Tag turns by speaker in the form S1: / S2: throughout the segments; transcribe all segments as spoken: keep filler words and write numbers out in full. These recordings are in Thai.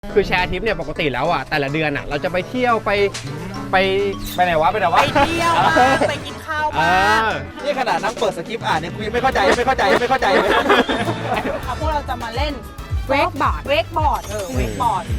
S1: คือแชร์ทริปเนี่ยปกติแล้วอ่ะแต่ละเดือนอ่ะเราจะไปเที่ยวไปไปไปไหนวะไปไหนวะ
S2: ไปเที่ยวบ้างไปกินข้าวบ้าง
S3: นี่ขนาดนั่งเปิดสคริปต์อ่านเนี่ยกูยังไม่เข้าใจไม่เข้าใจไม่เข้าใจเลย
S2: เอาพวกเราจะมาเล่น
S4: เวกบอร์ด
S2: เวกบอร์ดเออเวกบอร์ด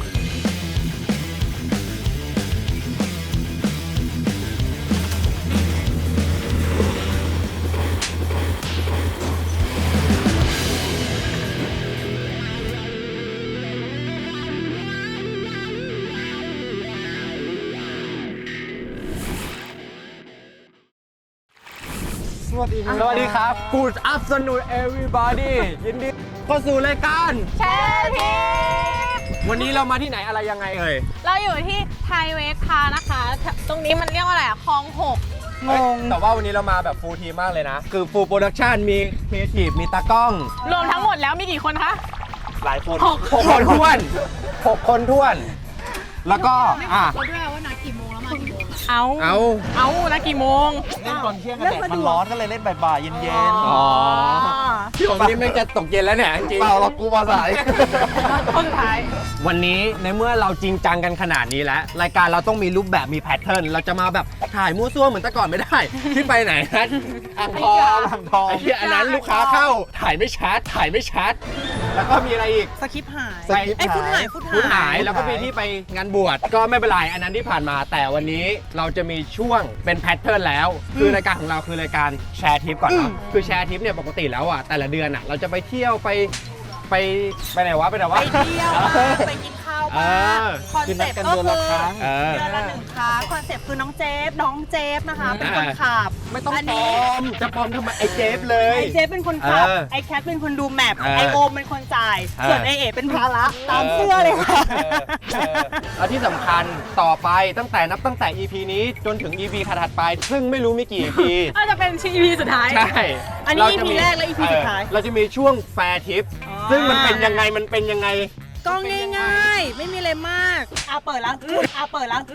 S3: สวัสดีครับ
S1: สวัสดีครับ Good afternoon everybody ยินดีเข้าสู่รายการ
S4: แชร์ทริป
S1: วันนี้เรามาที่ไหนอะไรยังไงเอ่ย
S4: เราอยู่ที่ไทยเวกพานะคะ ตรงนี้มันเรียกว่าอะไรอะคลองหก
S1: งงแต่ว่าวันนี้เรามาแบบฟูลทีมมากเลยนะ คือฟูลโปรดักชันมีครีเอทีฟมีตากล้อง
S4: รวมทั้งหมดแล้วมีกี่คนคะ
S3: หลายคน
S1: หกคนท้วนหกคนท้วน แล้วก็อ่ะ
S4: เราด้วยว่านัดกี่โมงแล้วมากี่โมงเอา
S1: เอา
S4: เอานัดกี่โมง
S3: เล่นตอนเที่ยงกันแดดมันร้อนก็เลยเล่นบ่ายๆเย็น
S1: อ๋อพี่ผมนี่ไม่จะตกเย็นแล้วเนี่ยจริง
S3: ๆเปล่าเรากูมาสาย
S4: คนสุดท้าย
S1: วันนี้ในเมื่อเราจริงจังกันขนาดนี้แล้วรายการเราต้องมีรูปแบบมีแพทเทิร์นเราจะมาแบบถ่ายมั่วซั่วเหมือนแต่ก่อนไม่ได้ ที่ไปไหนนะอ่างทอง
S3: อ่างทอง
S1: ไอ้ที่อันนั้นลูกค้าเข้าถ่ายไม่ชัดถ่ายไม่ชัด แล้วก็มีอะไรอีก
S2: สคริปต์หาย
S3: สคริปต์
S2: ไอ้ยฟุตหายฟุต
S1: พูด
S2: หา
S1: หาย ยแล้วก็มีที่ไปงานบวชก็ไม่เป็นไรอันนั้นที่ผ่านมาแต่วันนี้เราจะมีช่วงเป็นแพทเทิร์นแล้วคือรายการของเราคือรายการแชร์ทริปก่อนเนาะคือแชร์ทริปเนี่ยปกติแล้วอ่ะแต่ละเดือนอ่ะเราจะไปเที่ยวไปไปไปไหนวะไปไหน
S2: ไป
S1: วะ
S2: เที่ยวบ้างไปกินข้าวบ้างคอน
S3: คือ
S2: เซ็
S3: นัด
S2: ปต์
S3: กัน
S2: ก็
S3: เดือน
S2: คือ
S3: ละครั้ง
S1: เออ
S2: เดือนละหนึ่งครั้งคอนเซ็ปต์คือน้องเจฟน้องเจฟนะคะเป็นคนขับ
S1: ไม่ต้อง
S2: อัน
S1: ปล
S2: นี้
S1: อมจะปลอมทำไมไอ้เจฟเลย
S2: ไอเจฟเป็นคนขับ
S1: เออ
S2: ไอแคทเป็นคนดูแมพ
S1: เออ
S2: ไอโอมเป็นคนจ่าย
S1: เออ
S2: ส่วนไอเอ๋เป็นภาระตามเสื้อเลยค่ะ
S1: เออเออแล้วที่สำคัญต่อไปตั้งแต่นับตั้งแต่ อี พี นี้จนถึง อี พี ถัดๆไป ซึ่งไม่รู้มีกี่ อี พี
S4: อาจจะเป็นชีพีสุดท้าย
S1: ใช่
S2: อันนี้
S1: เาจะมี
S2: อี พีแรกและ อี พี สุดท้าย
S1: เออเราจะมีช่วงแฟร์ทิป
S2: อ๋อ
S1: ซึ่งมันเป็นยังไงมันเป็นยังไง
S2: ก็ง่ายๆ ไม่มีอะไรมากอาเปิดแล้วอาเปิดแล้ว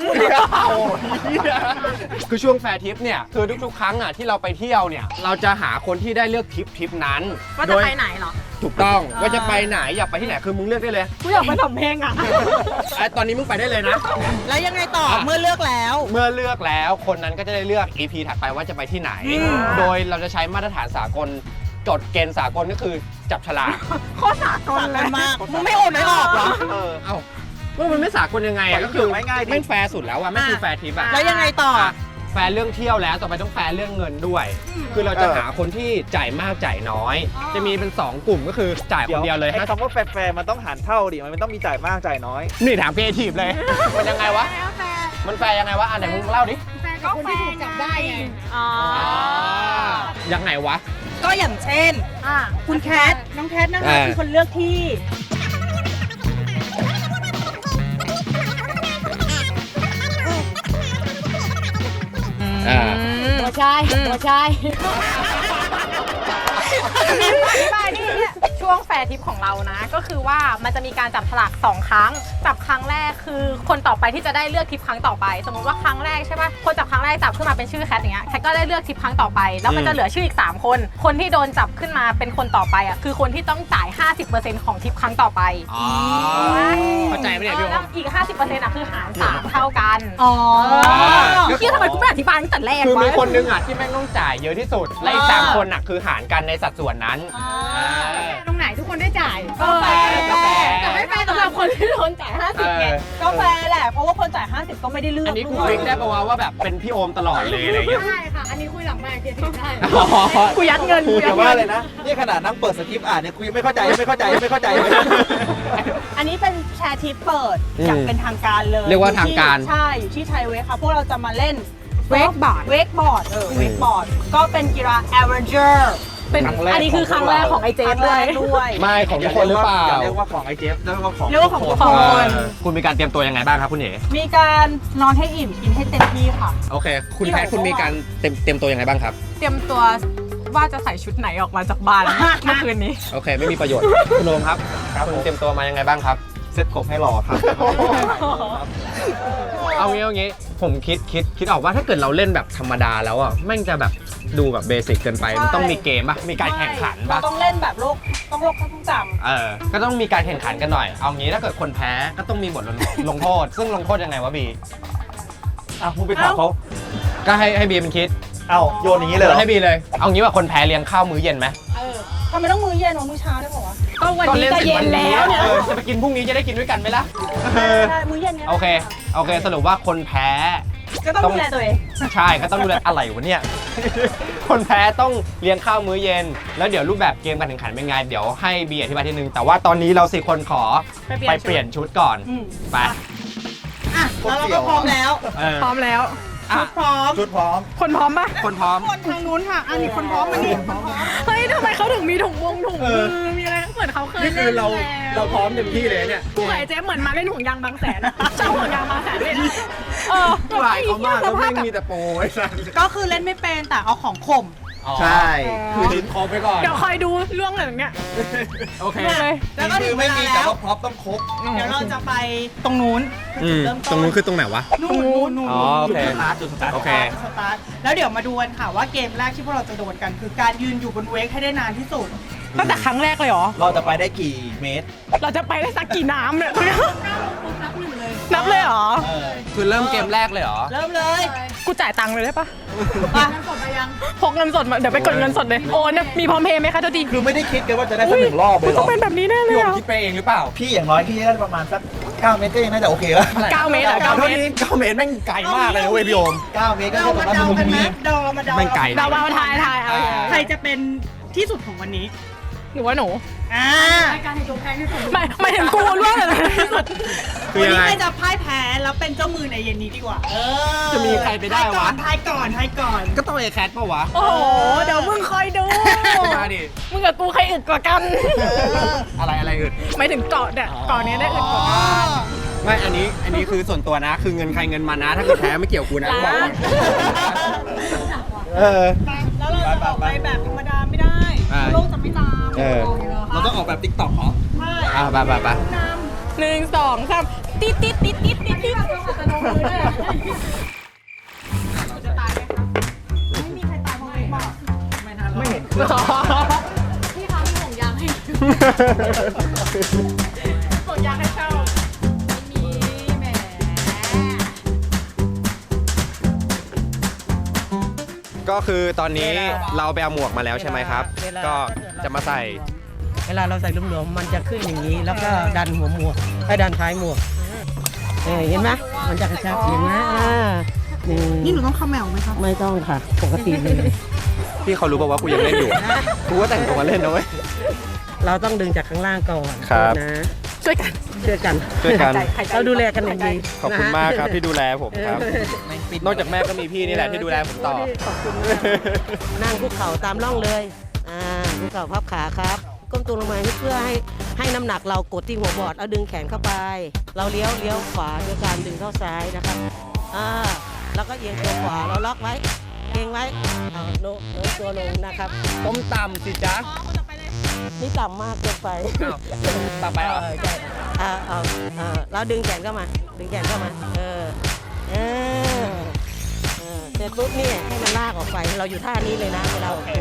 S1: คือช่วงแฟร์ทริปเนี่ยคือทุกๆครั้งอ่ะที่เราไปเที่ยวเนี่ยเราจะหาคนที่ได้เลือกทริปทริปนั้น
S4: ว่า
S1: โด
S4: จะ
S1: ย
S4: ไปไหนเหรอ
S1: ถูกต้อง
S2: อ่า
S1: ว่าจะไปไหนอยากไปที่ไหนคือมึงเลือกได้เลย
S4: กูอยากไปสำเพ็งอ่ะ
S1: ไอ้ตอนนี้มึงไปได้เลยนะ
S2: แล้วยังไงต่อเมื่อเลือกแล้ว
S1: เมื่อเลือกแล้วคนนั้นก็จะได้เลือก อี พี ถัดไปว่าจะไปที่ไหน
S2: อืม
S1: โดยเราจะใช้มาตรฐานสากลจดเกณฑ์สากลก็คือจับฉลาก
S4: โคตรสากล
S2: สา
S4: เล
S2: ก
S4: ย
S2: ลมากมึงไม่โอนไม่ออกเหรอ
S3: เออ
S1: เอ้าว่ามันไม่สากลยังไงอะก็คือ
S3: ง่ายๆดิ
S1: ไม่แฟร์สุดแล้วอะไม่คือแฟร์ทริปอะ
S2: แล้วยังไงต่อ
S1: อะแฟร์เรื่องเที่ยวแล้วต่อไปต้องแฟร์เรื่องเงินด้วย คือเราจะหาคนที่จ่ายมากจ่ายน้อย จะมีเป็นสองกลุ่มก็คือจ่ายคนเดียวเลย
S3: ไอ้
S1: ห้า
S3: คำว่าแฟร์ๆมันต้องหารเท่าดิมันไม่ต้องมีจ่ายมากจ่ายน้อย
S1: นี่ถามครีเอทีฟเลย มันยังไงวะ มันแฟร์ยังไงวะอันไหนมึงเล่าดิ
S4: ก็คนที่ถูกจับได้ไงอ๋อ
S1: ยังไงวะ
S2: ก็อย่างเช่น
S4: อ่ะ
S2: คุณแคท น้องแคทนะคะ
S1: อ่า
S2: เป็นคนเลือกที่
S1: อ่า
S4: ตัวใช่ตัวใช่อธิบายนี่ช่วงแฟร์ทริปของเรานะ ก็คือว่ามันจะมีการจับฉลากสองครั้ง จับครั้งแรกคือคนต่อไปที่จะได้เลือกทริปครั้งต่อไป สมมติว่าครั้งแรกใช่ป่ะคนจับครั้งแรกจับขึ้นมาเป็นชื่อแคทอย่างเงี้ยแคทก็ได้เลือกทริปครั้งต่อไปแล้วมันจะเหลือชื่ออีกสามคนคนที่โดนจับขึ้นมาเป็นคนต่อไปอ่ะคือคนที่ต้องจ่าย ห้าสิบเปอร์เซ็นต์ ของทริปครั้งต่อไป
S1: อ๋อเข้าใจไหมเนี่ยพี่
S4: เออ
S1: โอ
S4: แล้ว
S1: ม
S4: อีก ห้าสิบเปอร์เซ็นต์ อ่ะคือหารสามเท่ากัน
S2: อ๋อ
S4: เที่ยทำไมกูไม่อธิบายตั้งแต่แรก
S1: คือ
S4: วะ
S1: มีคนนึงอ่ะที่แม่งต้องจ่ายเยอะที่สุด และอีกสามคนอ่ะคือหารกันในสัดส่วนนั้น
S4: ตรงไหนทุกคนได้จ่าย
S2: ก็แฟร์
S1: ก็แฟร์
S4: แต่ไม่แฟร์สำหรับคนที่โดนจ่าย ห้าสิบ ไง
S2: ก็แฟร์แหละ เพราะว่าคนจ่าย ห้าสิบ ก็ไม่ได้เลือก
S1: อันนี้กู
S2: ด้วย
S1: ฟิกได้ปะวะว่าแบบเป็นพี่โอมตลอดเลยอะไรอย่างเงี้ย
S4: ใช่ค่ะ อันนี้คุยหลังไมค์เกียรติได้
S1: อ๋อ
S4: กูยัดเงินกูยั
S3: แต่
S4: ด
S3: ว่า
S4: เงิน
S3: เลยนะ นี่ขนาดนั่งเปิดสคริปต์อ่านเนี่ยกูยังไม่เข้าใจไม่เข้าใจไม่เข้าใจเลย
S2: อันนี้เป็นแชร์ทริปเปิด
S1: อืม
S2: อย่างเป็นทางการเลย
S1: เรียกว่าทางการ
S2: ใช่ อยู่ที่ไทยเวกค่ะ พวกเราจะมาเล่น
S4: เวกบอร์ด
S2: เวกบอร์ด เออ เวกบอร์ด ก็เป็นกีฬาแอเวอร์เจอร์
S4: เป็น
S3: ครั้งแรก
S4: อันนี้คือครั้งแรกของไอเจ
S2: ค
S4: ฟ
S2: รั้ง
S4: ด้
S2: แร
S4: วย
S2: กด้วย
S1: ไม่ของทุกคนหรือเปล่า
S3: อย่าเรียกว่าของไอเจฟเรียกว่าของ
S2: เรียกว่าของทุกคน
S1: เออคุณมีการเตรียมตัวยังไงบ้างครับคุณเอ๋
S2: มีการนอนให้อิ่ม กินให้เต็มที่ค่ะ
S1: โอเค คุณแพทคุณมีการเตรียมเตรียมตัวยังไงบ้างครับ
S4: เตรียมตัวว่าจะใส่ชุดไหนออกมาจากบ้านเมื่อคืนนี้
S1: โอเค ไม่มีประโยชน์ คุณโอมครับคุณเตรียมตัวมายังไงบ้างครับ
S3: เซ็ตกบให้หล่อครับ
S1: เอางี้เอางี้ผมคิดคิดคิดออกว่าถ้าเกิดเราเล่นแบบธรรมดาแล้วอ่ะแม่งจะแบบดูแบบเบสิกเกินไปมันต้องมีเกมป่ะมีการแข่งขันป่ะ
S2: เราต้องเล่นแบบโลกต้องโลกต้องจำ
S1: เออก็ต้องมีการแข่งขันกันหน่อยเอางี้ถ้าเกิดคนแพ้ก็ต้องมีบทลงลงโทษ ซึ่งลงโทษยังไงวะบี
S3: อ่ะมึงไปถามเขา
S1: ก็ให้ให้บีเป็นคิด
S3: เอ้าโยนอย่างนี้เลยเหรอ
S1: ให้บีเลยเอางี้ว่าคนแพ้เลี้ยงข้าวมื้อเย็นไหม
S2: เออทำไมต้องมื้อเย็นวะมื้อเช้าได้ป่าวะก็วัน
S1: ก็
S2: นี้
S1: เล่น
S2: ก็
S1: เสร็จ
S2: เย็
S1: วัน นนี้
S2: แล้วเนี่ย
S1: เออจะไปกินพรุ่งนี้จะได้กินด้วยกันไหมล่ะเออ
S2: ใช่มื้อเย็นเนี่ย
S1: โอเคโอเคสรุปว่าคนแพ้
S2: ก็ต้องดูแลตัวเอง
S1: ใช่ก็ต้องดูแลอะไรวะเนี่ย คนแพ้ต้องเลี้ยงข้าวมื้อเย็น แล้วเดี๋ยวรูปแบบเกมการแข่งขันเป็นไง เดี๋ยวให้บีอธิบายทีนึง แต่ว่าตอนนี้เราสี่คนขอไปเปลี่ยนชุดก่อน
S2: อืม
S1: ไป
S2: อ่ะแล้วเราก็พร้อมแล้ว
S1: เออ
S4: พร้อมแล้ว
S1: อ่ะ
S2: พร้อม
S3: ชุดพร้อม
S4: คนพร้อมปะ
S1: คนพร้อม
S2: คนทางนู้นค่ะอันนี้คนพร้อมมานี่คนพร้อม
S4: เฮ้ยทำไมเขาถึงมีถุงวงถุง
S1: เอ
S4: มื
S1: อ
S4: อมีอะไรเหมือนเขาเคย
S1: นี่
S4: เล่
S1: คือน เรา
S4: แล้ว
S1: เราพร้อมเต็มที่เลยเนี่ย
S4: กูกับไอ้เจ๊เหมือนมาเล่นห่วงยางบางแสนเจ้าห่วงยางบางแสนเล่นเออ
S1: หลายเขามากแล้ว
S4: สภ
S1: ไม่
S4: พแบบ
S1: มีแต่โปรไอ้สัส
S2: ก็คือเล่นไม่เป็นแต่เอาของข่ม
S3: ใช่
S1: คือดินคอไปก่อน
S4: เดี๋ยวคอยดูเรื่องอะไรอย่างเงี้ย
S1: โอเค
S4: เลย
S2: แล้วก็ถึ
S3: คื
S2: ง
S3: อ
S2: เว
S3: ไม่
S2: ลา
S3: มี
S2: แล้
S3: แต่
S2: ว
S3: ว่าพร็อพต้องครบ
S2: เดี๋ยวเราจะไปตรงนู้น
S1: อืม
S2: เริ่ม
S1: ตรงนู้นคือตรงไหนวะ
S2: นู่นนู่นนู่น
S1: อ๋อโอเค
S3: จุดสตาร์ทจุดสตาร์ท
S1: โอเค
S2: สตาร์ทแล้วเดี๋ยวมาดูกันค่ะว่าเกมแรกที่พวกเราจะโดนกัน คือการยืนอยู่บนเวกให้ได้นานที่สุด
S4: ตั้งแต่ครั้งแรกเลยเหรอ
S3: เราจะไปได้กี่เมตร
S4: เราจะไปได้สักกี่น้ำเนี่ยนับเลยเหรอ
S3: เออ
S1: คือเริ่มเกมแรกเลยเหรอ
S2: เริ่มเลย
S4: กูจ่ายตังค์เลยได้ปะ
S2: มา
S4: พกเงินสดมาเดี๋ยวไปกดเงินสดเลยโอนเนี่ยมีพร้อมเพย์ไหมคะเจ้าดี
S3: คือไม่ได้คิดกันว่าจะได้สักหนึ่งรอบเลยเหร
S4: ต้อ
S3: อง
S4: เป็นแบบนี้แน่เลย
S1: พี่โอม
S4: อะ
S1: คิดไปเองหรือเปล่า
S3: พี่อย่างน้อยพี่ได้ประมาณสักเก้าเมตรก็ยังน่าจะโอเคแล้ว
S4: เก้าเมตรเหรอเก้าเมตร
S1: เก้าเมตรแม่งไกลมากเลยนะเว้ยพี่โอม
S3: เก้าเมตรก็
S2: เรา
S3: แค่
S2: มา
S3: ประมาณ
S2: เดา
S3: มุม
S2: กันไหม
S3: นี้
S2: เดามาเดา
S1: ไม่ไกล
S4: ดาวมาทายทายเอา
S2: ใครจะเป็นที่สุดของวันนี้
S4: หนูว่าหนู
S2: อ่า
S4: ไม่ไม่ถึงกูร่วงเลยที่สุด
S1: คือ
S2: วัน
S1: ยัง
S2: นี้
S1: ไง
S2: ใครจะพ่ายแพ้แล้วเป็นเจ้ามือในเย็นนี้ดีกว่า เออ
S1: จะมีใครไปได้วะ
S2: ทายก่อนทายก่อน
S1: ก็ต้องเอแคทปะวะ
S4: โอ้โหเดี๋ยวมึงคอยดู
S1: มาดิ
S4: มึงกับกูใครอึดกว่ากัน
S1: อะไรอะไรอื่น
S4: ไม่ถึงเกาะเนี่ยเกาะนี้ได้อึดกว่ากัน
S1: ไม่ อันนี้ อันนี้คือส่วนตัวนะ คือเงินใครเงินมันนะ ถ้าเกิดแพ้ไม่เกี่ยวกูนะบอกก่อนเออ
S2: แล้วเราจะออกไปแบบธรรมดาไม่ได้
S1: อ่า
S2: โลกจะไม่ตาม
S1: เออ
S3: เราต้องออกแบบติ๊กต็อกเหรอ
S2: ใช่
S1: อ่ะไปไปไป
S4: หนึ่งสองสามติดติดติดติดติดติด
S2: ไม่มีใครตายเพราะเวกบอก
S3: ไม่เห็น
S4: พี่คะมีห่วงยางให้ห่วงยางให้เช่าไม่มีแหม
S1: ก็คือตอนนี้เราไปเอาหมวกมาแล้วใช่ไหมครับ ก็จะมาใส่
S5: เวลาเราใส่หลวมๆมันจะขึ้นอย่างนี้ แล้วก็ดันหัวหมวกให้ดันท้ายหมวกเออเห็นไหมมันจะกระชับเห็นไหมอ่านี่
S2: นี่หนูต้องคำแมวไหมคะ
S5: ไม่ต้องค่ะ ปกติเลย
S1: พี่เขารู้ป่าวว่ากูยังเล่นอยู่ กูก็แต่งตัวมาเล่นนะเว้ย
S5: เราต้องดึงจากข้างล่างก่อน
S1: ครับ
S5: นะ
S4: ช่วยกัน
S5: ช่วยกัน
S1: ช่วยกัน
S5: เราดูแลกันอย่างดี
S1: ขอบคุณมากครับที่ดูแลผมครับ
S5: เออน
S1: อกจากแม่ก็มีพี่นี่แหละที่ดูแลผมต่อ
S5: ขอบคุณมากนั่งคุกเข่าตามร่องเลยอ่าคุกเข่าพับขาครับก้มตัวลงมาเพื่อให้ให้น้ำหนักเรากดที่หัวบอร์ดเอาดึงแขนเข้าไป เราเลี้ยวเลี้ยวขวาด้วยการดึงเข้าซ้ายนะครับอ่าแล้วก็เอียงตัวขวาเราล็อกไว้เก่งไว้เอาโน้มโน้มตัวลงนะครับ
S1: ต้มต่ำสิจ๊ะ
S5: นี่ต่ำมากเกินไป
S1: อ้าวต่ำไปเหรอ
S5: เออใช่อ่าเอาอ่าแล้วดึงแขนเข้ามา ดึงแขนเข้ามาเออเออเออเสร็จปุ๊บเนี่ยให้มันลากออกไปเราอยู่ท่านี้เลยนะเวลาออกตัว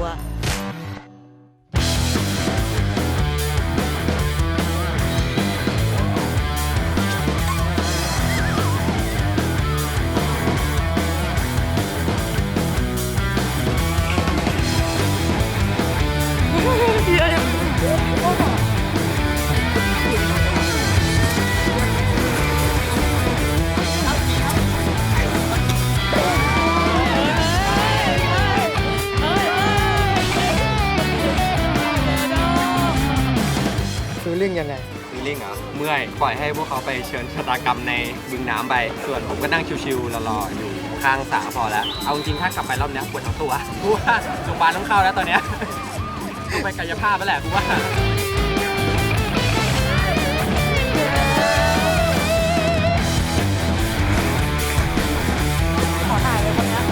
S1: ฟีลลิ่งยังไงฟีลลิ่งเหรอ เมื่อย ปล่อยให้พวกเขาไปเชิญชะตากรรมในบึงน้ำไป ส่วนผมก็นั่งชิวๆรอๆอยู่ข้างสระพอแล้ว เอาจริงๆถ้ากลับไปรอบเนี้ยปวดทั้งตัวกูว่าโรงพยาบาลต้องเข้าแล้วตอนเนี้ยต้องไปกายภาพแล้วแหละกูว่า
S4: ขอถ่ายเลยคนเนี้ย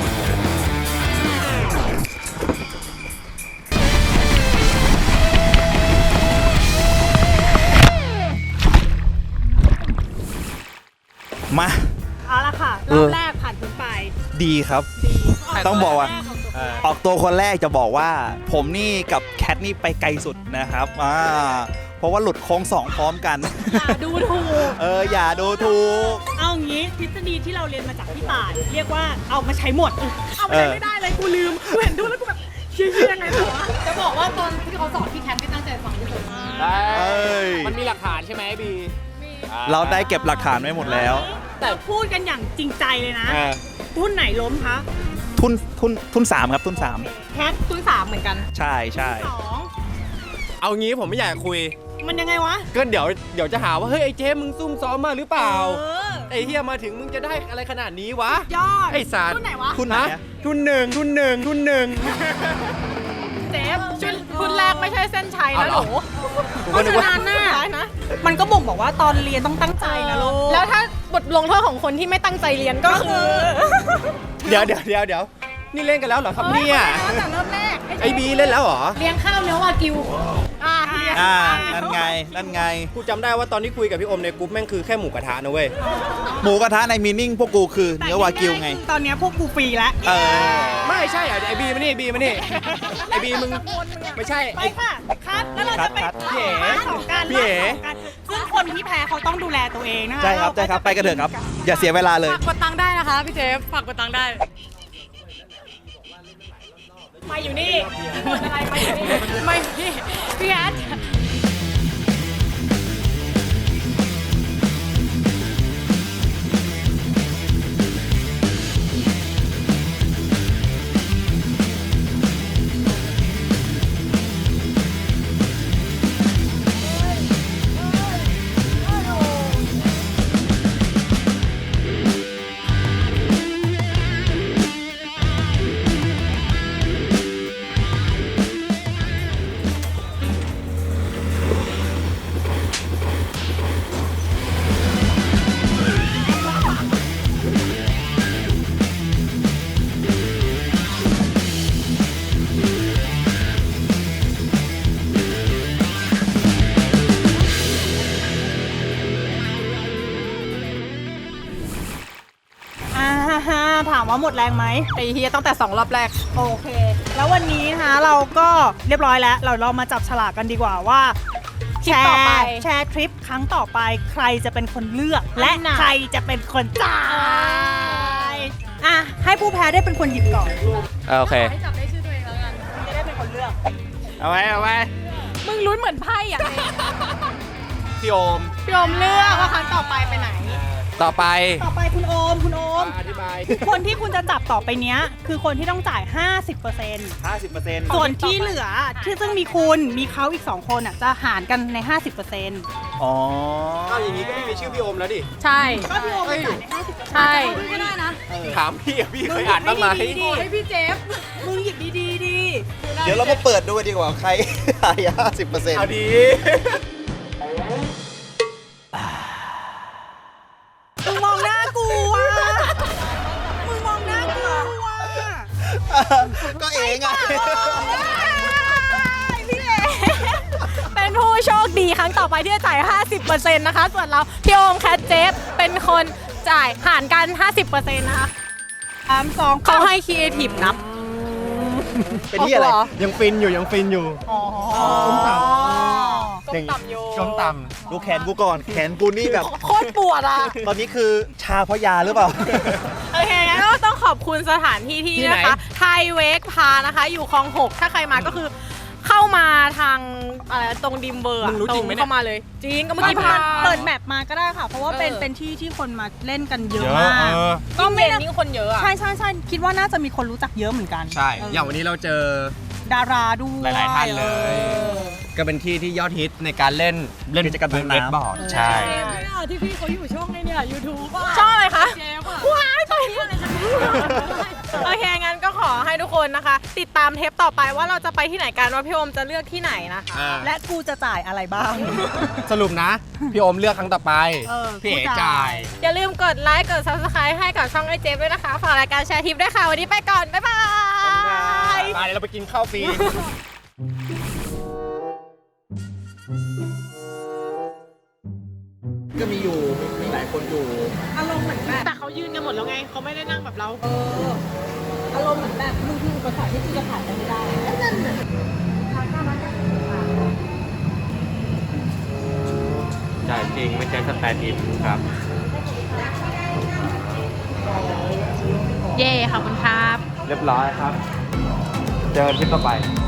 S3: มา
S2: เอาเอาละค่ะรอบแรกผ่านพ้นไป
S3: ดีครับ ต้องบอกว่า ออกตัวคนแรกจะบอกว่า ผมนี่กับแคทนี่ไปไกลสุดนะครับอ่าเพราะว่าหลุดโค้งสองพร้อมกัน
S2: อย่าดูถูก
S3: เอออย่าดูถูก
S2: เอางี้ทฤษฎีที่เราเรียนมาจากพี่ต่ายเรียกว่าเอามาใช้หมด เอามาใช้ไม่ได้เลยกูลืมกูเห็นดูแล้วกูแบบเชี่ยยังไงวะ
S4: จะบอกว่าตอนที่เขาสอนพี่แคทไม่ตั้งใจฟังที่สุด
S3: เอ้ย
S1: มันมีหลักฐานใช่ไหมบี
S3: เราได้เก็บหลักฐานไว้หมดแล้ว
S2: แต่พูดกันอย่างจริงใจเลยนะ
S1: อ่า
S2: หุ้นไหนล้มคะ
S3: ทุนทุนทุนสามครับทุนสาม
S2: แคททุนสามเหมือนกัน
S3: ใช่ใช่
S2: สอง
S1: เอางี้ผมไม่อยากคุย
S2: มันยังไงวะ
S1: ก็เดี๋ยวเดี๋ยวจะหาว่าเฮ้ยไอ้เจ๊มึงซุ่มซ้อมมาหรือเปล่า
S2: เออ
S1: ไอ้เฮียมาถึงมึงจะได้อะไรขนาดนี้วะ
S2: ยอด
S1: ไอ้สาร
S2: ทุนไหนวะ
S3: ทุนไหน
S1: ฮะ
S3: อะ
S1: ทุนหนึ่งทุนหนึ่งทุนหนึ่ง
S2: เจฟ
S4: ชุดคุณแรกไม่ใช่เส้นชัย
S1: เอา
S4: นะ
S1: เห
S4: ห
S1: รอ
S4: นู
S2: เพราะฉะนั้นน่ะมันก็บ่งบอกว่าตอนเรียนต้องตั้งใจนะลูก
S4: แล้วถ้าบทลงโทษของคนที่ไม่ตั้งใจเรียนก็คือ
S1: เดี๋ยวเดี๋ยวเดี๋ยวเดี๋ยวนี่เล่นกันแล้วเหรอครับเนี่ย
S4: ตั้งแต่เริ่มแรก
S1: ไอ้บีเล่นแล้วเหรอ
S4: เลี้ยงข้าวเนื้อวากิวอ่า
S3: อ่านั่นไงนั่นไง
S1: กูจำได้ว่าตอนที่คุยกับพี่อมในกรุ๊ปแม่งคือแค่หมูกระทะนะเว้ย
S3: หมูกระทะในมีนิ่งพวกกูคือเนื้อวากิวไง
S2: ตอนเนี้ยพวกกูฟรีแล้ว
S3: เออ
S1: ไม่ใช่เหรอไอ้บีมานี่บีมานี่ไอ้บีมึงไม่ใช่
S2: ไป
S1: ไอ้
S2: ค่ะคัดแล้วเราจะไป
S3: คัด
S1: พี่เอ๋
S2: บ้านของกัน
S1: พี่เอ๋
S2: บ้านของกันซึ่งคนที่แพ้เขาต้องดูแลตัวเองนะคะ
S3: ใช่ครับใช่ครับไปกันเถอะครับ อย่าเสียเวลาเลย
S4: ฝากกดตังค์ได้นะคะพี่เจฟฝากกดตังค์ได้มาอยู่นี่หมดอะไรมาอยู่นี่ไม่พี่พี่แอด
S2: อ่าฮะถามว่าหมดแรงไหม
S4: ไอเฮียตั้งแต่สองรอบแรก
S2: โอเค แล้ววันนี้นะคะเราก็เรียบร้อยแล้ว เราเรามาจับฉลากกันดีกว่าว่า
S4: ทริปต่อไป
S2: แชร์ทริปครั้งต่อไปใครจะเป็นคนเลือก และ
S4: อันน่ะ
S2: ใครจะเป็นคนจ่ายอ่ะให้ผู้แพ้ได้เป็นคนหยิบก่อน
S1: โอเค
S4: ให้จับได้ชื่อตัวเองแล้วกัน
S2: จะได้เป็นคนเลือก
S1: เอาไว้เอาไว้
S4: มึงลุ้นเหมือนไพ่อย่างนี้
S1: พี่โอม
S4: พี่อมเลือกว่าครั้งต่อไปไปไหน
S1: ต่อไป
S2: ต่อไปคุณโอมคุณโอม
S1: อธิบาย
S2: คนที่คุณจะจับต่อไปเนี้ยคือคนที่ต้องจ่าย ห้าสิบเปอร์เซ็นต์
S3: ห้าสิบเปอร์เซ็นต์
S2: ส่วนที่เหลือที่ซึ่งมีคุณมีเขาอีก สอง คนอ่ะจะหารกันใน ห้าสิบเปอร์เซ็นต์
S3: อ๋อ
S1: เอาอย่างนี้ก็ไม่มีชื่อพี่โอมแล้วดิ
S4: ใช่
S2: ก็พี่โอมไปจ่ายใน ห้าสิบเปอร์เซ็นต์
S4: ใช่
S2: ก็ได้นะ
S1: ถามพี่อะพี่เคยอ่านบ้างไหม
S2: ดี
S4: ให้พี่เจฟ
S2: มึงหยิบดีๆดี
S3: เดี๋ยวเรามาเปิดดูดีกว่าใคร หายห้าสิบเปอร์เซ็นต์
S1: เอาดี
S2: มึงมองหน้ากูอ่ะมึงมองหน้ากูอ่ะ
S3: ก็เองอ่ะ
S2: พี่เอ๋
S4: เป็นผู้โชคดีครั้งต่อไปที่จะจ่าย ห้าสิบเปอร์เซ็นต์ นะคะ ส่วนเราพี่โอมแคทเจฟเป็นคนจ่ายหารกัน ห้าสิบเปอร์เซ็นต์ นะคะ
S2: สามสอง
S4: เขาให้ครีเอทีฟนับ
S3: เป็นที่อะไร
S1: ยังฟินอยู่ยังฟินอยู่
S2: อ๋อ
S1: ก้มต่ำ
S4: ก้มต่ำโย
S1: ก้มต่
S3: ดูแขนกูก่อน แขนกูนี่แบบ
S4: โคตรปวดอ่ะ
S3: ตอนนี้คือชาเพราะยาหรือเปล่า
S4: โอเคงั้นก็ต้องขอบคุณสถานที่ที่นะคะ ไทยเวกพานะคะ อยู่คลองหกถ้าใครมาก็คือเข้ามาทางอะไรตรงดิมเบอร์
S1: มึงรู้จริงไหมเนี่ย
S4: เข้ามาเลย จริงก็เมื่อกี้
S2: เปิ
S4: พา
S2: ดเปิดแมปมาก็ได้ค่ะ เพราะว่าเป็น
S4: เออ
S2: เป็นที่ที่คนมาเล่นกันเย
S1: ำ
S2: อะ
S1: เยอะ
S2: มาก
S1: เออ
S4: ก็เย็นยิ่งคนเยอะอ่ะ
S2: ใช่ใช่ใช่คิดว่าน่าจะมีคนรู้จักเยอะเหมือนกัน
S1: ใช่
S2: เออ
S1: อย่างวันนี้เราเจอ
S2: ดาราด้วย
S1: หลายๆท่านเลย
S2: ออ
S1: ก็เป็นที่ที่ยอดฮิตในการเล่นเล่น
S3: กิจกรรมทางน้ำ
S1: เวทบอร์ดใช่
S2: ที่พี่เขาอยู่ช่องในเนี่ยยูทูบ
S4: ชอบอะไรคะ
S2: เจ๊ป่ะ
S4: ว้ายไปโอเค งั้นก็ขอให้ทุกคนนะคะ ติดตามเทปต่อไปว่าเราจะไปที่ไหนกันว่าพี่โอมจะเลือกที่ไหนนะคะ
S1: อ่า
S2: และกูจะจ่ายอะไรบ้าง
S1: สรุปนะ พี่โอมเลือกครั้งต่อไป
S2: เออ
S1: พี่เอ๋
S2: กูจ่าย
S1: จ่าย
S4: อย่าลืมกดไลค์ กด ซับสไครบ์ ให้กับช่องไอเจฟด้วยนะคะ ฝากรายการแชร์ทิปด้วยค่ะ วันนี้ไปก่อน บ๊ายบาย
S1: ไปเดี๋ยวเราไปกินข้าวฟรี
S3: ก็มีอยู่หลายคน
S1: คนอยู่
S2: อารมณ์เหมือนแบบแต่เขายืนกันหมดแล้วไงเขาไม่ได้นั่งแบบเราเอออารมณ์เหมือนแบบมึงคืออุปสรรคที่กูจะผ่านไปไม่ได้นั่นน่ะ
S1: จ่ายจริงไม่ใช่สแตนด์อินครับ
S4: เย่ขอบคุณครับ
S1: เรียบร้อยครับ เจอกันคลิปต่อไป